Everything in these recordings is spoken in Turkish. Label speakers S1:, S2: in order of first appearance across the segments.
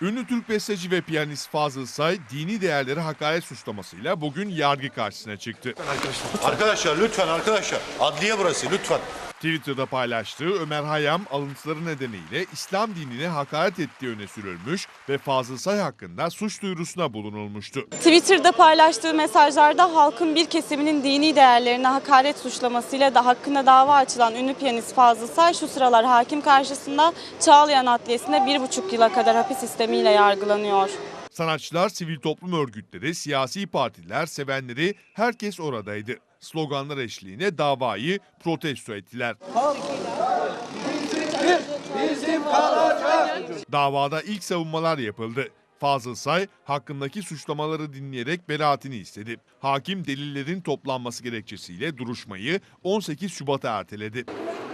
S1: Ünlü Türk besteci ve piyanist Fazıl Say, dini değerlere hakaret suçlamasıyla bugün yargı karşısına çıktı.
S2: Arkadaşlar lütfen arkadaşlar. Adliye burası lütfen.
S1: Twitter'da paylaştığı Ömer Hayyam alıntıları nedeniyle İslam dinine hakaret ettiği öne sürülmüş ve Fazıl Say hakkında suç duyurusuna bulunulmuştu.
S3: Twitter'da paylaştığı mesajlarda halkın bir kesiminin dini değerlerine hakaret suçlamasıyla da hakkında dava açılan ünlü piyanist Fazıl Say şu sıralar hakim karşısında Çağlayan Adliyesi'nde 1,5 yıla kadar hapis istemiyle yargılanıyor.
S1: Sanatçılar, sivil toplum örgütleri, siyasi partiler, sevenleri herkes oradaydı. Sloganlar eşliğinde davayı protesto ettiler. Davada ilk savunmalar yapıldı. Fazıl Say hakkındaki suçlamaları dinleyerek beraatini istedi. Hakim delillerin toplanması gerekçesiyle duruşmayı 18 Şubat'a erteledi.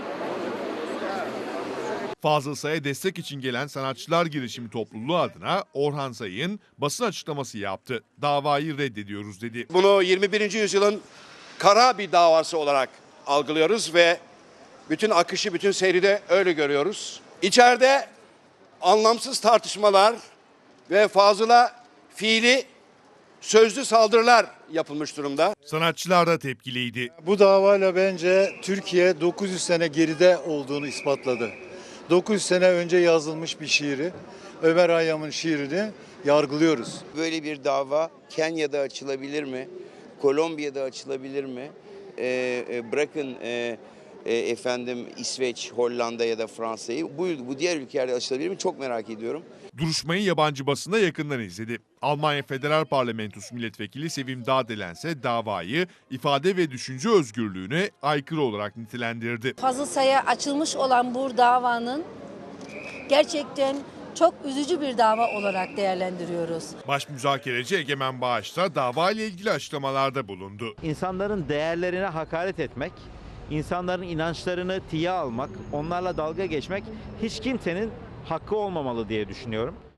S1: Fazıl Say'a destek için gelen sanatçılar girişimi topluluğu adına Orhan Sayın basın açıklaması yaptı. Davayı reddediyoruz dedi.
S4: Bunu 21. yüzyılın kara bir davası olarak algılıyoruz ve bütün akışı, bütün seyri de öyle görüyoruz. İçeride anlamsız tartışmalar ve Fazıl'a fiili, sözlü saldırılar yapılmış durumda.
S1: Sanatçılar da tepkiliydi.
S5: Bu davayla bence Türkiye 900 sene geride olduğunu ispatladı. 900 sene önce yazılmış bir şiiri, Ömer Hayyam'ın şiirini yargılıyoruz.
S6: Böyle bir dava Kenya'da açılabilir mi? Kolombiya'da açılabilir mi? Bırakın efendim İsveç, Hollanda ya da Fransa'yı. Bu diğer ülkelerde açılabilir mi? Çok merak ediyorum.
S1: Duruşmayı yabancı basında yakından izledi. Almanya Federal Parlamentosu Milletvekili Sevim Dağdelen ise davayı ifade ve düşünce özgürlüğüne aykırı olarak nitelendirdi.
S7: Fazıl Say'a açılmış olan bu davanın gerçekten çok üzücü bir dava olarak değerlendiriyoruz.
S1: Başmüzakereci Egemen Bağış da davayla ilgili açıklamalarda bulundu.
S8: İnsanların değerlerine hakaret etmek, insanların inançlarını tiye almak, onlarla dalga geçmek hiç kimsenin hakkı olmamalı diye düşünüyorum.